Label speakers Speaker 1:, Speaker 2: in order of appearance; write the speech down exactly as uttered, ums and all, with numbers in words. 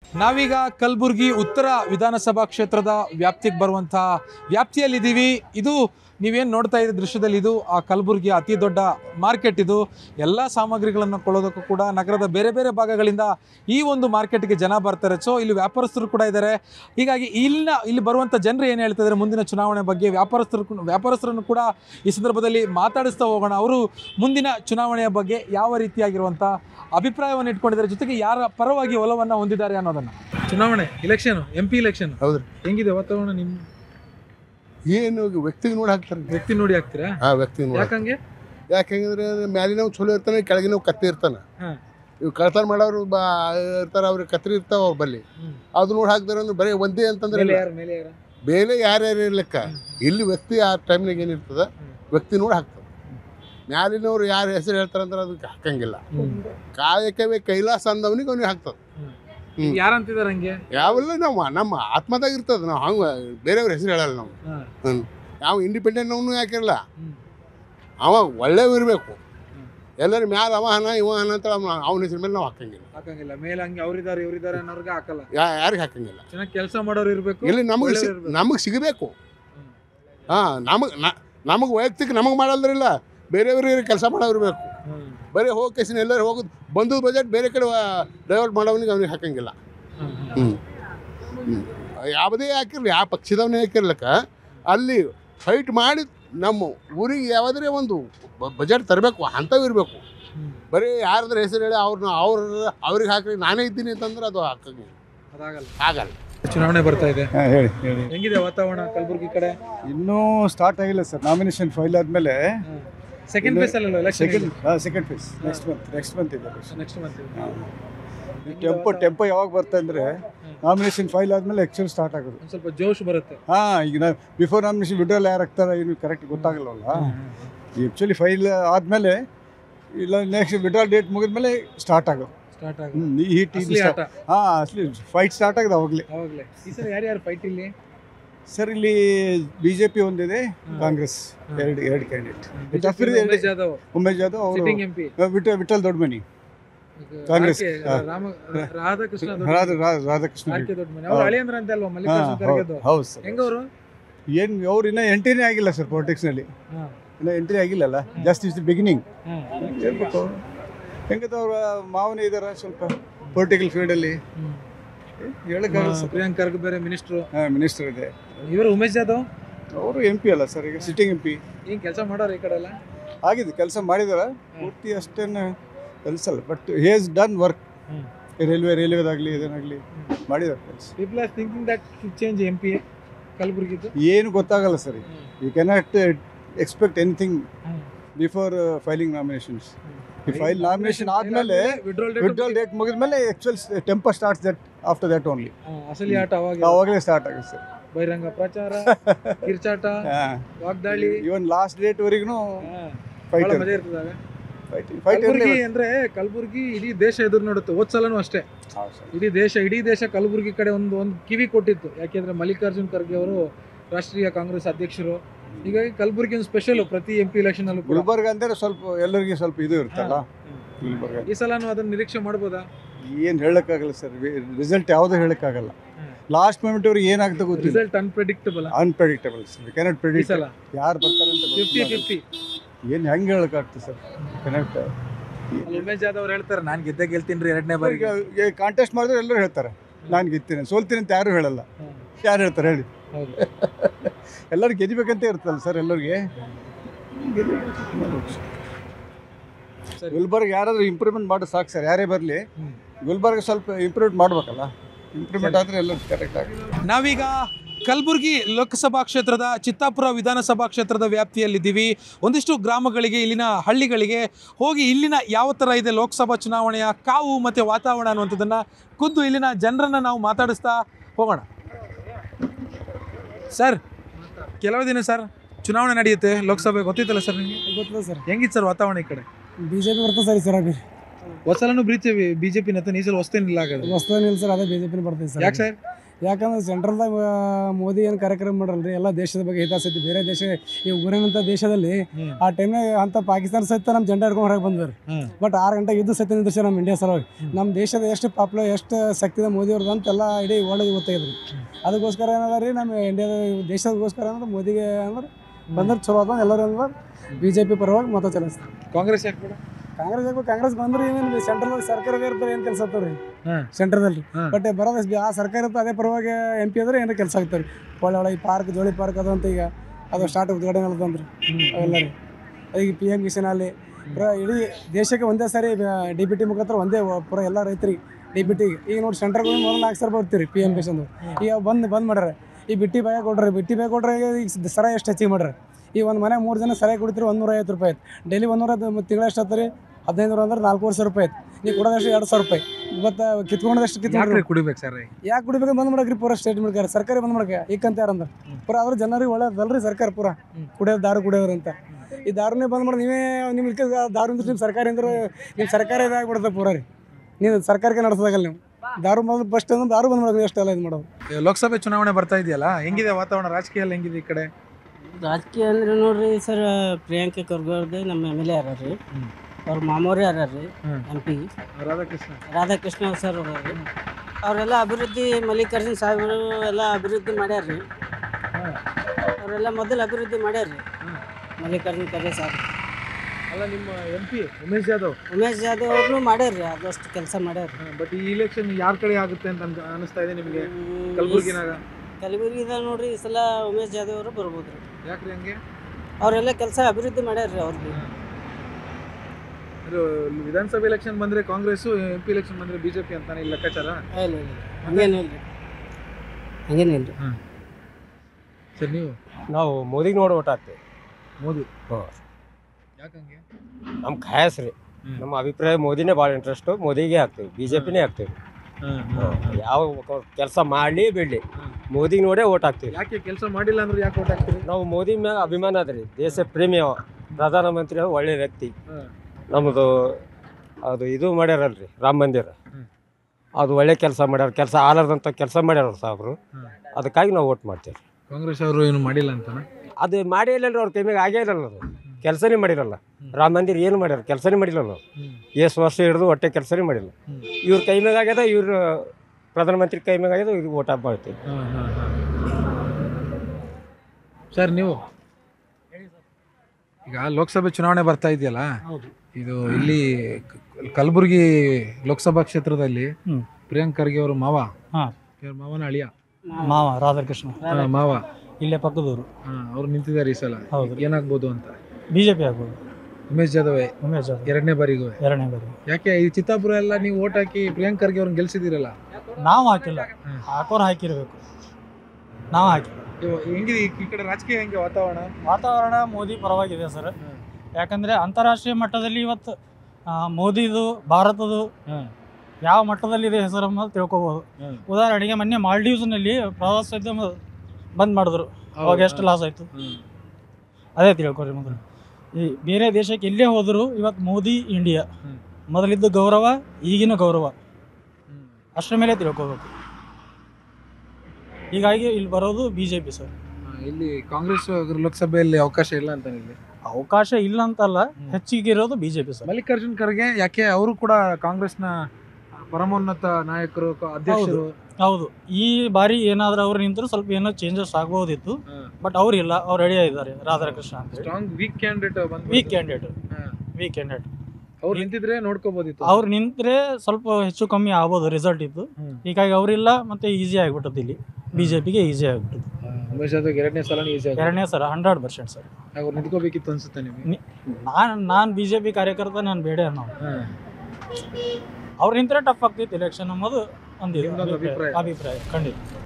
Speaker 1: ನಾವೀಗ ಕಲಬುರಗಿ ಉತ್ತರ ವಿಧಾನಸಭಾ ಕ್ಷೇತ್ರದ ವ್ಯಾಪ್ತಿಗೆ ಬರುವಂತಹ ವ್ಯಾಪ್ತಿಯಲ್ಲಿದ್ದೀವಿ. ಇದು ನೀವೇನು ನೋಡ್ತಾ ಇದ್ದ ದೃಶ್ಯದಲ್ಲಿ ಇದು ಆ ಕಲಬುರಗಿಯ ಅತಿ ದೊಡ್ಡ ಮಾರ್ಕೆಟ್. ಇದು ಎಲ್ಲ ಸಾಮಗ್ರಿಗಳನ್ನು ಕೊಳ್ಳೋದಕ್ಕೂ ಕೂಡ ನಗರದ ಬೇರೆ ಬೇರೆ ಭಾಗಗಳಿಂದ ಈ ಒಂದು ಮಾರ್ಕೆಟ್ಗೆ ಜನ ಬರ್ತಾರೆ. ಸೊ ಇಲ್ಲಿ ವ್ಯಾಪಾರಸ್ಥರು ಕೂಡ ಇದ್ದಾರೆ. ಹೀಗಾಗಿ ಇಲ್ಲಿನ ಇಲ್ಲಿ ಬರುವಂಥ ಜನರು ಏನು ಹೇಳ್ತಾ ಇದ್ದಾರೆ ಮುಂದಿನ ಚುನಾವಣೆ ಬಗ್ಗೆ, ವ್ಯಾಪಾರಸ್ಥರು ವ್ಯಾಪಾರಸ್ಥರನ್ನು ಕೂಡ ಈ ಸಂದರ್ಭದಲ್ಲಿ ಮಾತಾಡಿಸ್ತಾ ಹೋಗೋಣ. ಅವರು ಮುಂದಿನ ಚುನಾವಣೆಯ ಬಗ್ಗೆ ಯಾವ ರೀತಿಯಾಗಿರುವಂಥ ಅಭಿಪ್ರಾಯವನ್ನು ಇಟ್ಕೊಂಡಿದ್ದಾರೆ, ಜೊತೆಗೆ ಯಾರ ಪರವಾಗಿ ಒಲವನ್ನು ಹೊಂದಿದ್ದಾರೆ ಅನ್ನೋದನ್ನು. ಚುನಾವಣೆ ಇಲೆಕ್ಷನ್, ಎಂ ಪಿ ಇಲೆಕ್ಷನ್
Speaker 2: ಹೌದ್ರಿ.
Speaker 1: ಹೆಂಗಿದೆ ವಾತಾವರಣ? ನಿಮ್ಮ
Speaker 2: ಏನು ವ್ಯಕ್ತಿಗೆ ನೋಡಿ ಹಾಕ್ತಾರೆ.
Speaker 1: ವ್ಯಕ್ತಿ ನೋಡಿ ಹಾಕ್ತೀರಾ?
Speaker 2: ಹಾ, ವ್ಯಕ್ತಿ ನೋಡಿ.
Speaker 1: ಯಾಕಂಗೆ
Speaker 2: ಯಾಕಂದ್ರೆ ಮ್ಯಾಲಿನವ್ ಚಲೋ ಇರ್ತಾನೆ, ಕೆಳಗಿನವ್ ಕತ್ತಿ ಇರ್ತಾನೆ. ಇವ್ ಕಳ್ತನ ಮಾಡೋರು ಬಾ ಇರ್ತಾರ, ಅವ್ರಿಗೆ ಕತ್ರಿ ಇರ್ತಾವ ಅವ್ರ ಬಲ್ಲಿ. ಅದು ನೋಡಿ ಹಾಕ್ದಾರ ಅಂದ್ರೆ ಬರೀ ಒಂದೇ ಅಂತಂದ್ರೆ ಬೇರೆ ಯಾರ್ಯಾರು ಇರ್ಲಿಕ್ಕ ಇಲ್ಲಿ ವ್ಯಕ್ತಿ ಆ ಟೈಮ್ನಾಗ ಏನಿರ್ತದ ವ್ಯಕ್ತಿ ನೋಡಿ ಹಾಕ್ತಾರೆ. ಮ್ಯಾಲಿನವ್ರು ಯಾರು ಹೆಸರು ಹೇಳ್ತಾರಂದ್ರೆ ಅದಕ್ಕೆ ಹಾಕಂಗಿಲ್ಲ. ಕಾಯಕವೇ ಕೈಲಾಸ ಅಂದವನಿಗೆ ಅವ್ನಿಗೆ ಹಾಕ್ತದ.
Speaker 1: ಯಾರಂತಿದಾರ ಹಂಗೆ?
Speaker 2: ಯಾವೆಲ್ಲ ನಾವು ನಮ್ಮ ಆತ್ಮದಾಗ ಇರ್ತದ. ನಾವು ಹಂಗ ಬೇರೆಯವ್ರ ಹೆಸರು ಹೇಳಲ್ಲ ನಾವು. ಹ್ಮ್ ಯಾವ ಇಂಡಿಪೆಂಡೆಂಟ್ ಅವನು ಯಾಕಿರಲ್ಲ, ಅವ ಒಳ್ಳೆವ್ ಇರಬೇಕು. ಎಲ್ಲರ ಮ್ಯಾಲ ಅವ ಹನ ಇವ ಹನ ಅಂತ ಅವನ ಹೆಸರು ಮೇಲೆ ನಾವು ಹಾಕಂಗಿಲ್ಲ.
Speaker 1: ಹಾಕಂಗಿಲ್ಲ ಮೇಲೆ ಹಂಗೆ ಅವ್ರಿದ್ದಾರೆ ಇವ್ರಿದ್ದಾರೆ ಅನ್ನೋರ್ಗೆ ಹಾಕಲ್ಲ.
Speaker 2: ಯಾರಿಗೆ ಹಾಕಂಗಿಲ್ಲ.
Speaker 1: ಚೆನ್ನಾಗಿ ಕೆಲಸ ಮಾಡೋರು ಇರಬೇಕು.
Speaker 2: ಇಲ್ಲಿ ನಮಗೆ ನಮಗೆ ಸಿಗಬೇಕು. ಹಾ, ನಮಗೆ ನಮಗೆ ವೈಯಕ್ತಿಕ ನಮಗೆ ಮಾಡಲ್ದ್ರಿಲ್ಲ, ಬೇರೆಯವ್ರಿಗೆ ಕೆಲಸ ಮಾಡೋರಿರ್ಬೇಕು. ಬರೀ ಹೋಗಿ ಕೇಸಿನ ಎಲ್ಲರೂ ಹೋಗೋದು ಬಂದು ಬಜೆಟ್ ಬೇರೆ ಕಡೆ ಡೈವರ್ಟ್ ಮಾಡೋವನಿಗೆ ಅವ್ನಿಗೆ ಹಾಕಂಗಿಲ್ಲ. ಹ್ಞೂ ಹ್ಞೂ ಯಾವುದೇ ಹಾಕಿರ್ಲಿ, ಯಾವ ಪಕ್ಷದವನೇ ಹಾಕಿರ್ಲಕ್ಕ ಅಲ್ಲಿ ಫೈಟ್ ಮಾಡಿ ನಮ್ಮ ಊರಿಗೆ ಯಾವುದೇ ಒಂದು ಬಜೆಟ್ ತರಬೇಕು, ಅಂಥವು ಇರಬೇಕು. ಬರೀ ಯಾರಾದ್ರೂ ಹೆಸರು ಹೇಳಿ ಅವ್ರನ್ನ ಅವ್ರ ಅವ್ರಿಗೆ ಹಾಕಿ ನಾನೇ ಇದ್ದೀನಿ ಅಂತಂದ್ರೆ ಅದು ಹಾಕಂಗಿಲ್ಲ,
Speaker 1: ಅದಾಗಲ್ಲ
Speaker 2: ಆಗಲ್ಲ.
Speaker 1: ಚುನಾವಣೆ ಬರ್ತಾ ಇದೆ,
Speaker 3: ಹೇಳಿ ಹೇಳಿ
Speaker 1: ಹೆಂಗಿದೆ ವಾತಾವರಣ ಕಲಬುರಗಿ ಕಡೆ?
Speaker 3: ಇನ್ನೂ ಸ್ಟಾರ್ಟ್ ಆಗಿಲ್ಲ ಸರ್. ನಾಮಿನೇಷನ್ ಫೈಲ್ ಆದಮೇಲೆ
Speaker 1: ಸೆಕೆಂಡ್ ಫೇಸ್ ಅಲ್ಲ election?
Speaker 3: Second second phase next month next month ಇದೆ.
Speaker 1: ನೆಕ್ಸ್ಟ್ ಮಂತ್
Speaker 3: ಟೆಂಪೋ ಟೆಂಪೋ ಯಾವಾಗ ಬರುತ್ತೆ ಅಂದರೆ ನಾಮಿನೇಷನ್ ಫೈಲ್ ಆದಮೇಲೆ ಆ್ಯಕ್ಚುಲಿ ಸ್ಟಾರ್ಟ್ ಆಗೋದು.
Speaker 1: ಒಂದು ಸ್ವಲ್ಪ ಜೋಶ್ ಬರುತ್ತೆ.
Speaker 3: ಹಾಂ, ಈಗ ನಾವು ಬಿಫೋರ್ ನಾಮಿನೇಷನ್ ವಿಡ್ರಾಲ್ ಯಾರು ಆಗ್ತಾರೆ ಏನು ಕರೆಕ್ಟ್ ಗೊತ್ತಾಗಲ್ಲವಲ್ಲ. ಆ್ಯಕ್ಚುಲಿ ಫೈಲ್ ಆದಮೇಲೆ ಇಲ್ಲ ನೆಕ್ಸ್ಟ್ ವಿಡ್ರಾಲ್ ಡೇಟ್ ಮುಗಿದ್ಮೇಲೆ ಸ್ಟಾರ್ಟ್ ಆಗೋದು.
Speaker 1: ಸ್ಟಾರ್ಟ್ ಆಗೋದು
Speaker 3: ಈ ಹೀಟ್ ಇದು ಹಾಂ ಅಸಲಿ ಫೈಟ್ ಸ್ಟಾರ್ಟ್ ಆಗಿದೆ ಅವಾಗಲೇ.
Speaker 1: ಅವಾಗಲೇ ಈ ಸಲ ಯಾರ್ಯಾರು ಫೈಟ್ ಇಲ್ಲಿ?
Speaker 3: ಸರ್ ಇಲ್ಲಿ ಬಿ ಜೆ ಪಿ ಒಂದಿದೆ, ಕಾಂಗ್ರೆಸ್ ಎರಡು ಎರಡು ಕ್ಯಾಂಡಿಡೇಟ್.
Speaker 1: ಉಮೇಶ್ ಜಾಧವ್
Speaker 3: ಉಮೇಶ್ ಜಾಧವ್ ಅವರು
Speaker 1: sitting MP,
Speaker 3: Vithal Vithal Doddamani Congress,
Speaker 1: Radhakrishna
Speaker 3: Radhakrishna
Speaker 1: Doddamani ಅವ್ರು ಅಳಿಯಂದ್ರ ಅಂತ ಅಲ್ವಾ ಮಲ್ಲಿಕಾರ್ಜುನ್ ಖರ್ಗೆ?
Speaker 3: ಹೌದು ಸರ್.
Speaker 1: ಹೆಂಗವರು
Speaker 3: ಏನು ಅವ್ರು ಇನ್ನೂ ಎಂಟ್ರಿನೇ ಆಗಿಲ್ಲ ಸರ್ ಪಾಲಿಟಿಕ್ಸ್ನಲ್ಲಿ. ಇನ್ನೂ ಎಂಟ್ರಿ ಆಗಿಲ್ಲಲ್ಲ, ಜಸ್ಟ್ ಇಸ್ ದಿ ಬಿಗಿನಿಂಗ್ ಹೇಳ್ಬೇಕು. ಹೆಂಗದ ಅವ್ರ ಮಾವನೇ ಇದಾರ ಸ್ವಲ್ಪ ಪೊಲಿಟಿಕಲ್ ಫೀಲ್ಡಲ್ಲಿ ಹೇಳಕ್ಕಾಗಲ್ಲ ಸರ್.
Speaker 1: ಪ್ರಿಯಾಂಕ್ ಖರ್ಗೆ ಬೇರೆ ಮಿನಿಸ್ಟ್ರು.
Speaker 3: ಹಾಂ, ಮಿನಿಸ್ಟರ್ ಇದೆ.
Speaker 1: ಇವರು ಉಮೇಶ್ ಜಾಧವ್
Speaker 3: ಅವರು ಎಂ ಪಿ ಅಲ್ಲ ಸರ್, ಈಗ ಸಿಟ್ಟಿಂಗ್ ಎಂ ಪಿ.
Speaker 1: ಏನು ಕೆಲಸ ಮಾಡೋರು ಈ ಕಡೆ ಎಲ್ಲ?
Speaker 3: ಆಗಿದೆ, ಕೆಲಸ ಮಾಡಿದಾರ, ಪೂರ್ತಿ ಅಷ್ಟೇನು ಕೆಲಸ ಅಲ್ಲ, but he has done work. Railway ರೈಲ್ವೆದಾಗಲಿ ಇದೇನಾಗಲಿ ಮಾಡಿದಾರೆ ಕೆಲಸ.
Speaker 1: People are thinking that should change M P ಕಲಬುರಗಿದು.
Speaker 3: ಏನು ಗೊತ್ತಾಗಲ್ಲ sir. You cannot expect anything before filing nominations. ಈ ಫೈಲ್ ನಾಮಿನೇಷನ್ ಆದಮೇಲೆ ವಿಡ್ರಾಲ್ ಡೇಟ್ ಮುಗಿದ್ಮೇಲೆ actual tempo starts that after that only.
Speaker 1: ಅಸಲಿ ಆಟ ಅವಾಗ
Speaker 3: ಅವಾಗಲೇ ಸ್ಟಾರ್ಟ್ ಆಗುತ್ತೆ ಸರ್.
Speaker 1: ಬಹಿರಂಗ ಪ್ರಚಾರ, ಕಿರ್ಚಾಟ, ವಾಗ್ದಾಳಿ,
Speaker 3: ಇವನ್ ಲಾಸ್ಟ್ ಡೇಟ್ ವರೆಗೂ
Speaker 1: ಫೈಟ್ ಮಜಾ ಇರ್ತದಾಗ. ಕಲಬುರಗಿ ಅಂದ್ರೆ ಕಲಬುರಗಿ ಇಡೀ ದೇಶ ಎದುರು ನೋಡುತ್ತೆ. ಹೋದ್ ಸಲನೂ ಅಷ್ಟೇ ಇಡೀ ದೇಶ ಇಡೀ ದೇಶ ಕಲಬುರಗಿ ಕಡೆ ಒಂದು ಒಂದು ಕಿವಿ ಕೊಟ್ಟಿತ್ತು. ಯಾಕೆಂದ್ರೆ ಮಲ್ಲಿಕಾರ್ಜುನ್ ಖರ್ಗೆ ಅವರು ರಾಷ್ಟ್ರೀಯ ಕಾಂಗ್ರೆಸ್ ಅಧ್ಯಕ್ಷರು. ಹೀಗಾಗಿ ಕಲಬುರಗಿ ಒಂದು ಸ್ಪೆಷಲ್ ಪ್ರತಿ ಎಂ ಪಿ ಎಲೆಕ್ಷನ್ ಅಲ್ಲೂ.
Speaker 3: ಗುಲ್ಬರ್ಗ ಅಂದ್ರೆ ಸ್ವಲ್ಪ ಎಲ್ಲರಿಗೆ ಸ್ವಲ್ಪ ಇದು ಇರುತ್ತಲ್ಲ ಗುಲ್ಬರ್ಗ.
Speaker 1: ಈ ಸಲನೂ ಅದನ್ನ ನಿರೀಕ್ಷೆ ಮಾಡ್ಬೋದಾ?
Speaker 3: ಏನು ಹೇಳಕ್ಕಾಗಲ್ಲ ಸರ್, ರಿಸಲ್ಟ್ ಯಾವುದೂ ಹೇಳಕ್ಕಾಗಲ್ಲ. ಲಾಸ್ಟ್ ಮೂಮೆಂಟ್ ಅವ್ರಿಗೆ ಏನಾಗ್ತಾ ಗೊತ್ತಿಲ್ಲ.
Speaker 1: Result unpredictable
Speaker 3: unpredictable sir. Cannot predict ಯಾರು ಬರ್ತಾರೆ ಅಂತ.
Speaker 1: ಫಿಫ್ಟಿ ಫಿಫ್ಟಿ
Speaker 3: ಏನು ಹೆಂಗೆ ಹೇಳಕ್ಕಾಗ್ತದೆ ಸರ್? ಕ್ಯಾನಾಟ್.
Speaker 1: ಉಮೇಶ್ ಜಾಧವ್ ಅವ್ರು ಹೇಳ್ತಾರೆ ನಾನು ಗೆದ್ದೆ ಗೆಲ್ತೀನಿ ರೀ ಎರಡನೇ ಬಾರಿಗೆ.
Speaker 3: ಕಾಂಟೆಸ್ಟ್ ಮಾಡಿದ್ರೆ ಎಲ್ಲರೂ ಹೇಳ್ತಾರೆ ನಾನು ಗೆಲ್ತೀನಿ, ಸೋಲ್ತೀನಿ ಅಂತ ಯಾರು ಹೇಳಲ್ಲ. ಯಾರು ಹೇಳ್ತಾರೆ ಹೇಳಿ? ಎಲ್ಲರೂ ಗೆದಿಬೇಕಂತ ಇರ್ತಲ್ಲ ಸರ್ ಎಲ್ಲರಿಗೆ. ಗುಲ್ಬರ್ಗ ಯಾರಾದ್ರೂ ಇಂಪ್ರೂವ್ಮೆಂಟ್ ಮಾಡೋದು ಸಾಕು ಸರ್, ಯಾರೇ ಬರಲಿ. ಗುಲ್ಬರ್ಗ ಸ್ವಲ್ಪ ಇಂಪ್ರೂವ್ಮೆಂಟ್ ಮಾಡ್ಬೇಕಲ್ಲ, ಇಂಪ್ರೂವ್ಮೆಂಟ್ ಆದರೆ ಎಲ್ಲರೂ ಕರೆಕ್ಟ್ ಆಗಿ.
Speaker 1: ನಾವೀಗ ಕಲಬುರಗಿ ಲೋಕಸಭಾ ಕ್ಷೇತ್ರದ ಚಿತ್ತಾಪುರ ವಿಧಾನಸಭಾ ಕ್ಷೇತ್ರದ ವ್ಯಾಪ್ತಿಯಲ್ಲಿದ್ದೀವಿ. ಒಂದಿಷ್ಟು ಗ್ರಾಮಗಳಿಗೆ, ಇಲ್ಲಿನ ಹಳ್ಳಿಗಳಿಗೆ ಹೋಗಿ ಇಲ್ಲಿನ ಯಾವ ಥರ ಇದೆ ಲೋಕಸಭಾ ಚುನಾವಣೆಯ ಕಾವು ಮತ್ತು ವಾತಾವರಣ ಅನ್ನುವಂಥದ್ದನ್ನು ಖುದ್ದು ಇಲ್ಲಿನ ಜನರನ್ನು ನಾವು ಮಾತಾಡಿಸ್ತಾ ಹೋಗೋಣ. ಸರ್, ಕೆಲವು ದಿನ ಸರ್ ಚುನಾವಣೆ ನಡೆಯುತ್ತೆ ಲೋಕಸಭೆ, ಗೊತ್ತಿತ್ತಲ್ಲ ಸರ್ ನಿಮಗೆ?
Speaker 4: ಗೊತ್ತಿಲ್ಲ ಸರ್.
Speaker 1: ಹೆಂಗಿತ್ತು ಸರ್ ವಾತಾವರಣ ಈ ಕಡೆ?
Speaker 4: ಬಿ ಜೆ ಪಿ ಬರ್ತದೆ ಸರಿ ಸರ್. ಅಭಿ
Speaker 1: ಹೊಸಲೂ B J P B J P ನತ್ತ ಈ ಸಲ ಹೊಸ್ತೇನಿಲ್ಲ ಆಗೋದು.
Speaker 4: ಹೊಸದೇನಿಲ್ಲ ಸರ್, ಅದೇ ಬಿ ಜೆ ಪಿ ಬರ್ತದೆ ಸರ್.
Speaker 1: ಯಾಕೆ ಸರ್?
Speaker 4: ಯಾಕಂದ್ರೆ ಸೆಂಟ್ರಲ್ದಾಗ ಮೋದಿ ಏನು ಕಾರ್ಯಕ್ರಮ ಮಾಡಲ್ರಿ ಎಲ್ಲ ದೇಶದ ಬಗ್ಗೆ ಹಿತಾಸಕ್ತಿ ಬೇರೆ ದೇಶ ಈ ಊರಿನಂಥ ದೇಶದಲ್ಲಿ ಆ ಟೈಮ್ನಾಗ ಅಂತ ಪಾಕಿಸ್ತಾನ ಸಹಿತ ನಮ್ಮ ಜೆಂಡಾ ಹಿಡ್ಕೊಂಡು ಹೊರಗೆ ಬಂದ್ರಿ. ಬಟ್ ಆರು ಗಂಟೆ ಯುದ್ಧ ಸಹಿತ ನಿಂದಿರ್ಸಿ ನಮ್ಮ ಇಂಡಿಯಾ ಸಲುವಾಗಿ ನಮ್ಮ ದೇಶದ ಎಷ್ಟು ಪಾಪ್ಯುಲರ್ ಎಷ್ಟು ಶಕ್ತಿದ ಮೋದಿ ಅವ್ರದ್ದು ಅಂತೆಲ್ಲ ಇಡೀ ವರ್ಲ್ಡ್ ಗೊತ್ತಾಗಿದ್ರಿ. ಅದಕ್ಕೋಸ್ಕರ ಏನದ ರೀ ನಮ್ಮ ಇಂಡಿಯಾದ ದೇಶದಗೋಸ್ಕರ ಅಂದ್ರೆ ಮೋದಿಗೆ ಅಂದ್ರೆ ಬಂದ್ರೆ ಚಲೋ ಅದ. ಎಲ್ಲರೂ ಅಂದ್ರೆ ಬಿ ಜೆ ಪಿ ಪರವಾಗಿ ಮತ ಚಲಾಯಿಸ್ತಾರೆ.
Speaker 1: ಕಾಂಗ್ರೆಸ್ ಯಾಕೆ ಬೇಡ?
Speaker 4: ಕಾಂಗ್ರೆಸ್ ಯಾಕೆ ಕಾಂಗ್ರೆಸ್ ಬಂದ್ರೆ ಏನು ಸೆಂಟ್ರಲ್ ಸರ್ಕಾರದ ಇರ್ತಾರೆ ಏನು ಕೆಲಸ ಆಗ್ತಾವ್ರಿ ಸೆಂಟ್ರದಲ್ಲಿ. ಬಟ್ ಬರೋದ ಆ ಸರ್ಕಾರ ಇರುತ್ತೆ ಅದೇ ಪರವಾಗಿ ಎಂ ಪಿ ಅಂದ್ರೆ ಏನೋ ಕೆಲಸ ಆಗ್ತಾರೆ. ಒಳ್ಳೆ ಒಳ್ಳೆ ಈ ಪಾರ್ಕ್ ಜೋಳಿ ಪಾರ್ಕ್ ಅದು ಅಂತ ಈಗ ಅದು ಸ್ಟಾರ್ಟ್ ಉದ್ಘಾಟನೆ ಅಲ್ಲದಂದ್ರಿ ಅವೆಲ್ಲ ರೀ. ಈಗ ಪಿ ಎಮ್ ಕಿಸಾನ್ ಅಲ್ಲಿ ಪೂರ ಇಡೀ ದೇಶಕ್ಕೆ ಒಂದೇ ಸಾರಿ ಡಿ ಬಿ ಟಿ ಮುಖಾಂತರ ಒಂದೇ ಪೂರ ಎಲ್ಲ ರೈತರಿಗೆ ಡಿ ಬಿ ಟಿಗೆ ಈಗ ನೋಡಿ ಸೆಂಟ್ರಲ್ ಮೊದಲು ನಾಲ್ಕು ಸಾವಿರ ಬರ್ತೀರಿ ಪಿ ಎಮ್ ಕಿಸಾನ್ ಈಗ ಬಂದು ಬಂದ್ ಮಾಡ್ಯಾರ. ಈ ಬಿಟ್ಟಿ ಬಾಯ ಕೊಡ್ರಿ ಬಿಟ್ಟಿ ಬಾಯ ಕೊಡ್ರೆ ಈಗ ಸರ ಎಷ್ಟು ಹೆಚ್ಚಿಗೆ ಮಾಡ್ರಿ. ಈಗ ಒಂದು ಮನೆ ಮೂರು ಜನ ಸರಿಯಾಗಿ ಕೊಡ್ತೀರಿ ಒಂದೂರ ಐವತ್ತು ರೂಪಾಯಿ ಆಯ್ತು. ಡೈಲಿ ಒಂದೂರ ತಿಂಗಳ ಎಷ್ಟು ಹತ್ತರಿ ಹದಿನೈದು ನೂರ ಅಂದ್ರೆ ನಾಲ್ಕೂವರೆ ಸಾವಿರ ರೂಪಾಯಿ ಆಯ್ತು. ನೀವು ಕೊಡೋದಷ್ಟು ಎರಡು ಸಾವಿರ ರೂಪಾಯಿ ಇವತ್ತು ಕಿತ್ಕೊಂಡದಷ್ಟು ಕಿತ್ಕೊಂಡ್ರೆ
Speaker 1: ಕುಡಿಬೇಕು ಸರ್.
Speaker 4: ಯಾಕೆ ಕುಡಿಬೇಕು ಬಂದ್ ಮಾಡಕ್ರಿ ಪೂರ ಸ್ಟೇಟ್ಮೆಂಟ್ ಗಾರ ಸರ್ಕಾರ ಬಂದ್ ಮಾಡಕ್ಕೆ ಈಕಂತ ಯಾರಂದ್ರೆ ಪೂರ ಆದ್ರೂ ಜನರಿಗೆ ಒಳ್ಳೇದಲ್ರಿ ಸರ್ಕಾರ ಪೂರ ಕುಡಿಯೋದು ದಾರು ಕುಡಿಯೋರು ಅಂತ. ಈ ದಾರುನೇ ಬಂದ್ ಮಾಡಿ ನೀವೇ ನಿಮ್ಮ ಇಲ್ಕ ದಾರು ಅಂದ್ರೆ ನಿಮ್ಮ ಸರ್ಕಾರ ಅಂದ್ರೆ ನಿಮ್ಮ ಸರ್ಕಾರ ಇದಾಗ್ಬಿಡುತ್ತೆ ಪೂರ ರೀ. ನೀವು ಸರ್ಕಾರಕ್ಕೆ ನಡೆಸೋದಾಗಲ್ಲ ನೀವು ದಾರು ಮೊದಲು ಫಸ್ಟ್ ಅಂದ್ರೆ ದಾರು ಬಂದ್ ಮಾಡೋದು ಎಷ್ಟೆಲ್ಲ ಇದು ಮಾಡೋದು.
Speaker 1: ಲೋಕಸಭೆ ಚುನಾವಣೆ ಬರ್ತಾ ಇದೆಯಲ್ಲ, ಹೆಂಗಿದೆ ವಾತಾವರಣ ರಾಜಕೀಯ ಎಲ್ಲ ಹೆಂಗಿದೆ ಈ ಕಡೆ?
Speaker 5: ರಾಜಕೀಯ ಅಂದ್ರೆ ನೋಡ್ರಿ ಸರ್, ಪ್ರಿಯಾಂಕಾ ಖರ್ಗೆ ಅವ್ರದ್ದು ನಮ್ಮ ಎಮ್ ಎಲ್ ಎ ಯಾರ ರೀ, ಅವ್ರ ಮಾಮೂರಿ ಯಾರ ರೀ M P
Speaker 1: Radhakrishna
Speaker 5: Radhakrishna sir ಅವ್ರ ರೀ. ಅವರೆಲ್ಲ ಅಭಿವೃದ್ಧಿ ಮಲ್ಲಿಕಾರ್ಜುನ್ ಸಾಹೇಬರು ಎಲ್ಲ ಅಭಿವೃದ್ಧಿ ಮಾಡ್ಯಾರ ರೀ. ಅವರೆಲ್ಲ ಮೊದಲು ಅಭಿವೃದ್ಧಿ ಮಾಡ್ಯಾರ ರೀ ಮಲ್ಲಿಕಾರ್ಜುನ್ ಖರ್ಗೆ ಸಾಹೇಬ್.
Speaker 1: ಅಲ್ಲ ನಿಮ್ಮ ಎಂ ಪಿ ಉಮೇಶ್ ಜಾಧವ್
Speaker 5: ಉಮೇಶ್ ಜಾಧವ್ ಅವ್ರನ್ನೂ ಮಾಡ್ಯಾರ ರೀ, ಅದಷ್ಟು ಕೆಲಸ ಮಾಡ್ಯಾರ.
Speaker 1: ಬಟ್ ಈ ಇಲೆಕ್ಷನ್ ಯಾರ ಕಡೆ ಆಗುತ್ತೆ ಅಂತ ಅನಿಸ್ತಾ ಇದೆ ನಿಮಗೆ ಕಲಬುರಗಿನಾಗ?
Speaker 5: ಕಲಬುರಗಿದಾಗ ನೋಡ್ರಿ ಈ ಸಲ ಉಮೇಶ್ ಜಾಧವ್ ಅವರು ಬರ್ಬೋದು ರೀ.
Speaker 1: ಯಾಕ್ರಿ ಹಂಗೆ? ಅವರೆಲ್ಲ
Speaker 5: ಕೆಲಸ ಅಭಿವೃದ್ಧಿ ಮಾಡ್ಯಾರ ರೀ ಅವ್ರಿಗೆ.
Speaker 1: ವಿಧಾನಸಭೆ ಎಲೆಕ್ಷನ್ ಬಂದ್ರೆ ಕಾಂಗ್ರೆಸ್, ಎಂ ಪಿ ಎಲೆಕ್ಷನ್ ಬಂದ್ರೆ ಬಿಜೆಪಿ ಅಂತಾನೆ ಇಲ್ಲ ಲೆಕ್ಕಾಚಾರ?
Speaker 5: ಇಲ್ಲ ಇಲ್ಲ ಹಂಗೇನಿಲ್ಲ ಹಂಗೇನಿಲ್ಲ
Speaker 1: ಸರ್ ನೀವು?
Speaker 6: ನಾವು ಮೋದಿಗೆ ನೋಡಿ ಓಟ್ ಹಾಕ್ತೇವೆ.
Speaker 1: ಮೋದಿ?
Speaker 6: ಹ್ಞೂ.
Speaker 1: ಯಾಕಂಗೆ?
Speaker 6: ನಮ್ಮ ಖಾಯಸ್ ರೀ, ನಮ್ಮ ಅಭಿಪ್ರಾಯ ಮೋದಿನೇ ಭಾಳ ಇಂಟ್ರೆಸ್ಟು, ಮೋದಿಗೆ ಹಾಕ್ತೇವೆ, ಬಿ ಜೆ ಪಿನೇ ಹಾಕ್ತೇವೆ. ಯಾವ ಕೆಲಸ ಮಾಡಲಿ ಬಿಡಲಿ ಮೋದಿಗೆ ನೋಡೇ ಓಟ್ ಹಾಕ್ತೀವಿ.
Speaker 1: ಯಾಕೆ ಕೆಲಸ ಮಾಡಿಲ್ಲ ಅಂದ್ರೆ ಯಾಕೆ ಓಟ್ ಹಾಕ್ತೀವಿ?
Speaker 6: ನಾವು ಮೋದಿ ಮ್ಯಾಗ ಅಭಿಮಾನ ಅದ ರೀ, ದೇಶ ಪ್ರೇಮಿ ಅವ, ಪ್ರಧಾನಮಂತ್ರಿ ಅವ, ಒಳ್ಳೆ ವ್ಯಕ್ತಿ. ನಮ್ಮದು ಅದು ಇದು ಮಾಡ್ಯಾರಲ್ರಿ ರಾಮ ಮಂದಿರ, ಅದು ಒಳ್ಳೆ ಕೆಲಸ ಮಾಡ್ಯಾರ, ಕೆಲಸ ಆಲಾರ್ದಂಥ ಕೆಲಸ ಮಾಡ್ಯಾರ ಸಾಬ್ರು. ಅದಕ್ಕಾಗಿ ನಾವು ಓಟ್ ಮಾಡ್ತೇವೆ.
Speaker 1: ಕಾಂಗ್ರೆಸ್ ಅವರು ಏನು ಮಾಡಿಲ್ಲ ಅಂತ?
Speaker 6: ಅದು ಮಾಡೇ ಇಲ್ಲಲ್ರಿ, ಅವ್ರ ಕೈಮ್ಯಾಗ ಆಗೇ ಇರಲ್ಲ, ಅದು ಕೆಲಸನೇ ಮಾಡಿರಲ್ಲ. ರಾಮ ಮಂದಿರ ಏನು ಮಾಡ್ಯಾರ? ಕೆಲಸನೇ ಮಾಡಿರಲ್ಲ. ಎಷ್ಟು ವರ್ಷ ಹಿಡಿದು ಹೊಟ್ಟೆ ಕೆಲಸನೇ ಮಾಡಿಲ್ಲ. ಇವ್ರ ಕೈ ಮ್ಯಾಗ ಆಗ್ಯದ, ಇವ್ರ ಪ್ರಧಾನಮಂತ್ರಿ ಕೈ ಮ್ಯಾಗ ಆಗ್ಯದ, ಇದು ಓಟ್ ಮಾಡ್ತೀವಿ.
Speaker 1: ಸರ್ ನೀವು ಈಗ ಲೋಕಸಭೆ ಚುನಾವಣೆ ಬರ್ತಾ ಇದೆಯಲ್ಲ, ಇದು ಇಲ್ಲಿ ಕಲಬುರಗಿ ಲೋಕಸಭಾ ಕ್ಷೇತ್ರದಲ್ಲಿ ಪ್ರಿಯಾಂಕ್ ಖರ್ಗೆ ಅವರು ಮಾವ, ಮಾವನ ಅಳಿಯ
Speaker 4: ಮಾವ ರಾಧಾಕೃಷ್ಣ
Speaker 1: ಮಾವ
Speaker 4: ಇಲ್ಲೇ ಪಕ್ಕದವರು
Speaker 1: ಅವ್ರು ನಿಂತಿದ್ದಾರೆ ಈ ಸಲ. ಏನಾಗ್ಬೋದು ಅಂತ?
Speaker 4: ಬಿಜೆಪಿ ಆಗ್ಬೋದು.
Speaker 1: ಉಮೇಶ್ ಜಾಧವ್
Speaker 4: ಉಮೇಶ್ ಜಾಧವ್
Speaker 1: ಎರಡನೇ ಬಾರಿಗೂ
Speaker 4: ಎರಡನೇ ಬಾರಿ.
Speaker 1: ಯಾಕೆ ಈ ಚಿತ್ತಾಪುರ ಎಲ್ಲ ನೀವು ಓಟ್ ಹಾಕಿ ಪ್ರಿಯಾಂಕ್ ಖರ್ಗೆ ಅವ್ರನ್ನ ಗೆಲ್ಸಿದಿರಲ್ಲ?
Speaker 4: ನಾವು ಹಾಕಿಲ್ಲ, ಹಾಕೋರು ಹಾಕಿರ್ಬೇಕು, ನಾವು ಹಾಕಿಲ್ಲ.
Speaker 1: ಹೆಂಗಿದೆ ಈ ಕಡೆ ರಾಜಕೀಯ? ಹೆಂಗೆ ವಾತಾವರಣ?
Speaker 4: ವಾತಾವರಣ ಮೋದಿ ಪರವಾಗಿದೆ ಸರ್. ಯಾಕಂದರೆ ಅಂತಾರಾಷ್ಟ್ರೀಯ ಮಟ್ಟದಲ್ಲಿ ಇವತ್ತು ಮೋದಿದು ಭಾರತದು ಯಾವ ಮಟ್ಟದಲ್ಲಿದೆ ಹೆಸರನ್ನು ತಿಳ್ಕೊಬೋದು. ಉದಾಹರಣೆಗೆ ಮೊನ್ನೆ ಮಾಲ್ಡೀವ್ಸ್ನಲ್ಲಿ ಪ್ರವಾಸೋದ್ಯಮ ಬಂದ್ ಮಾಡಿದ್ರು, ಅವಾಗ ಎಷ್ಟು ಲಾಸ್ ಆಯಿತು ಅದೇ ತಿಳ್ಕೊರಿ. ಮೊದಲು ಈ ಬೇರೆ ದೇಶಕ್ಕೆ ಎಲ್ಲೇ ಹೋದರೂ ಇವತ್ತು ಮೋದಿ ಇಂಡಿಯಾ, ಮೊದಲಿದ್ದ ಗೌರವ ಈಗಿನ ಗೌರವ ಅಷ್ಟರ ಮೇಲೆ ತಿಳ್ಕೊಬೇಕು. ಹೀಗಾಗಿ ಇಲ್ಲಿ ಬರೋದು ಬಿ ಜೆ ಪಿ ಸರ್.
Speaker 1: ಇಲ್ಲಿ ಕಾಂಗ್ರೆಸ್ ಲೋಕಸಭೆಯಲ್ಲಿ ಅವಕಾಶ ಇಲ್ಲ ಅಂತ? ಇಲ್ಲಿ
Speaker 4: ಅವಕಾಶ ಇಲ್ಲ ಅಂತಲ್ಲ, ಹೆಚ್ಚಿಗೆ ಇರೋದು B J P sir.
Speaker 1: Mallikarjun Kharge ಯಾಕೆ? ಅವರು ಕೂಡ ಕಾಂಗ್ರೆಸ್ನ ಪರಮೋನ್ನತ ನಾಯಕರು, ಅಧ್ಯಕ್ಷರು.
Speaker 4: ಹೌದು, ಈ ಬಾರಿ ಏನಾದ್ರೂ ಅವ್ರು ನಿಂತರು ಸ್ವಲ್ಪ ಏನೋ ಚೇಂಜಸ್ ಆಗಬಹುದಿತ್ತು. ಬಟ್ ಅವ್ರಿಲ್ಲ, ಅವ್ರು ರೆಡಿ ಆಗಿದ್ದಾರೆ. ರಾಧಾಕೃಷ್ಣ ಅಂತ
Speaker 1: strong weak candidate
Speaker 4: weak candidate weak candidate
Speaker 1: ಅವ್ರು ನಿಂತಿದ್ರೆ ನೋಡ್ಕೋಬಹುದಿತ್ತು.
Speaker 4: ಅವ್ರು ನಿಂತ್ರೆ ಸ್ವಲ್ಪ ಹೆಚ್ಚು ಕಮ್ಮಿ ಆಗ್ಬೋದು ರಿಸಲ್ಟ್ ಇತ್ತು. ಹೀಗಾಗಿ ಅವರಿಲ್ಲ, ಮತ್ತೆ ಈಸಿ ಆಗಿಬಿಟ್ಟದ್ದು ಇಲ್ಲಿ ಬಿಜೆಪಿಗೆ ಈಸಿ ಆಗಿಬಿಟ್ಟದ್ದು.
Speaker 1: ಉಮೇಶ್ ಜಾಧವ್ ಎರಡನೇ ಸಲ ಈಸಿ
Speaker 4: ಎರಡನೇ ಸಲ ಹಂಡ್ರೆಡ್ ಪರ್ಸೆಂಟ್ ಸರ್.
Speaker 1: ಅವ್ರು ನಿಂತ್ಕೋಬೇಕಿತ್ತು ಅನ್ಸುತ್ತೆ ನಿಮಗೆ?
Speaker 4: ನಾನು ನಾನು ಬಿಜೆಪಿ ಕಾರ್ಯಕರ್ತ, ನಾನು ಬೇಡ ಅನ್ನೋ. ಅವ್ರು ನಿಂತರೆ ಟಫ್ ಆಗ್ತಿತ್ತು ಎಲೆಕ್ಷನ್ ಅನ್ನೋದು ಒಂದು ಅಭಿಪ್ರಾಯ ಖಂಡಿತ.